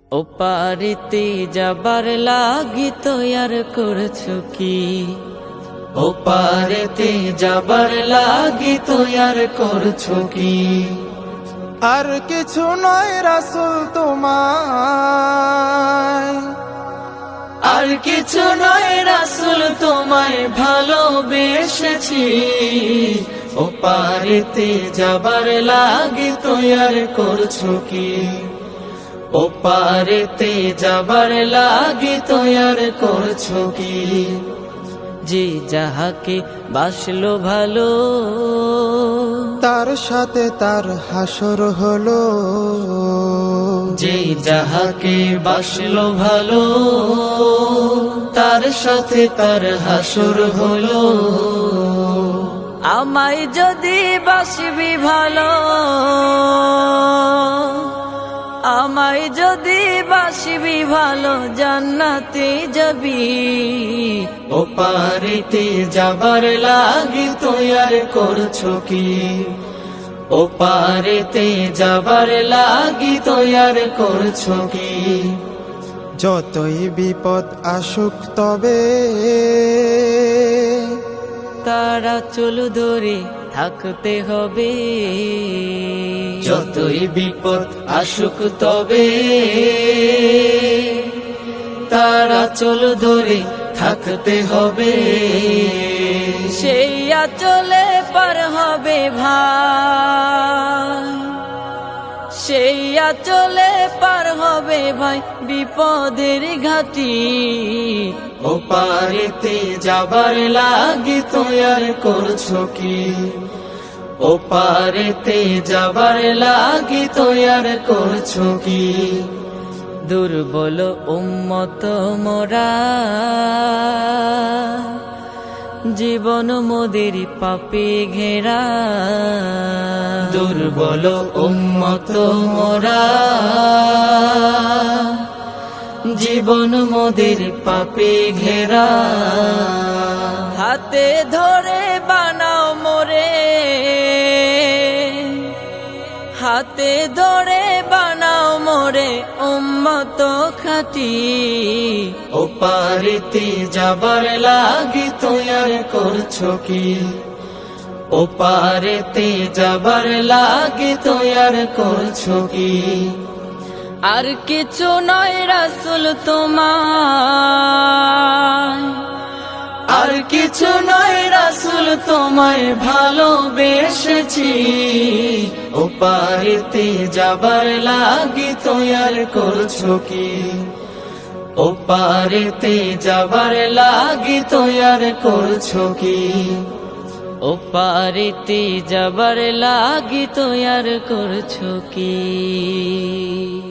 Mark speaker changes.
Speaker 1: ওপারেতে যাবার লাগি তৈয়ার করছো কি? ওপারেতে যাবার লাগি তৈয়ার করছো কি?
Speaker 2: আর কিছু নয় রাসূল তোমায়,
Speaker 1: আর কিছু নয় রাসূল তোমায় ভালোবেসেছি। ওপারেতে যাবার লাগি তৈয়ার করছো কি? ওপারেতে যাবার লাগি তৈয়ার করছো কি? যে যাহাকে বাসলো ভালো,
Speaker 2: তার সাথে তার হাসর হলো।
Speaker 1: যে যাহাকে বাসলো ভালো, তার সাথে তার হাসর হলো। আমায় যদি বাসবি ভালো, আমায় যদি বাসবি ভালো, জান্নাতে যাবি। ওপারেতে যাবার লাগি তৈয়ার করছো কি? ওপারেতে যাবার লাগি তৈয়ার করছো কি?
Speaker 2: যতই বিপদ আসুক তবে
Speaker 1: তারা চলু ধরে থাকতে হবে। যতই বিপদ আসুক তবে তারা চলু ধরে থাকতে হবে। সেই আঁচলে পার হবে ভাই, সেই আঁচলে পার হবে ভাই বিপদের ঘাটি। ওপারেতে যাবার লাগি তৈয়ার করছো কি? ওপারেতে যাবার লাগি তৈয়ার করছো কি? দুর্বল উম্মত মোরা, জীবন মোদের পাপে ঘেরা। দুর্বল উম্মত মোরা, জীবন মোদের পাপে ঘেরা। হাতে ধরে বানাও মোরে, হাতে ধরে বানাও মোরে উম্মত খাঁটি। ওপারেতে যাবার লাগি তৈয়ার করছো কি? ওপারেতে যাবার লাগি তৈয়ার করছো কি? আর কিছু নয় রাসূল তোমায়, আর কিছু নয় রাসূল তোমায় ভালোবেসেছি। ওপারেতে যাবার লাগি তৈয়ার করছো কি? ওপারেতে যাবার লাগি তৈয়ার করছো কি? ওপারেতে যাবার লাগি তৈয়ার করছো কি?